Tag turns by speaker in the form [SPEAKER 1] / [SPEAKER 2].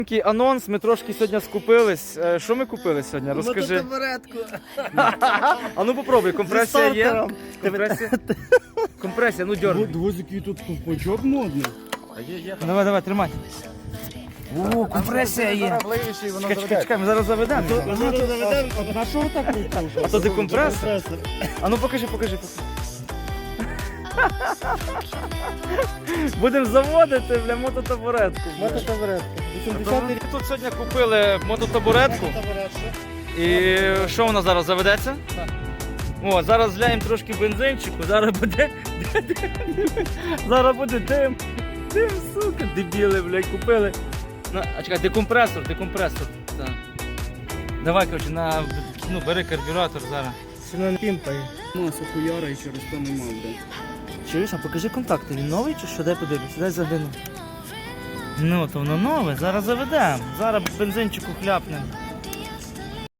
[SPEAKER 1] Такий анонс, ми трошки сьогодні скупились. Що ми купили сьогодні? Розкажи.
[SPEAKER 2] Мототабуретку.
[SPEAKER 1] А ну попробуй, компресія є?
[SPEAKER 2] стартером.
[SPEAKER 1] Компресія? Компресія, ну дьорни.
[SPEAKER 3] Дивись, який тут ковпачок модний.
[SPEAKER 1] Давай, давай, тримай. О, компресія є. Чекай, ми зараз заведемо.
[SPEAKER 3] На що так крутиш?
[SPEAKER 1] А то декомпресор? А ну покажи. Будемо заводити, бля, мототабуретку.
[SPEAKER 2] Мототабуретку.
[SPEAKER 1] Ми тут сьогодні купили мототабуретку. І що вона зараз заведеться?
[SPEAKER 2] Так.
[SPEAKER 1] О, зараз зляємо трошки бензинчику, зараз буде. Зараз буде дим. Дим, сука, дебіли, блядь, купили. А чекай, декомпресор. Так. Давай, коротше, бери карбюратор зараз.
[SPEAKER 2] Сильно не пімпає.
[SPEAKER 3] Масу хуяра і через то нема, блядь.
[SPEAKER 1] Чуєш, а покажи контакти, він новий чи що? Дай подивлюся, дай загляну. Ну, то воно нове, зараз заведемо. Зараз бензинчику хляпнемо.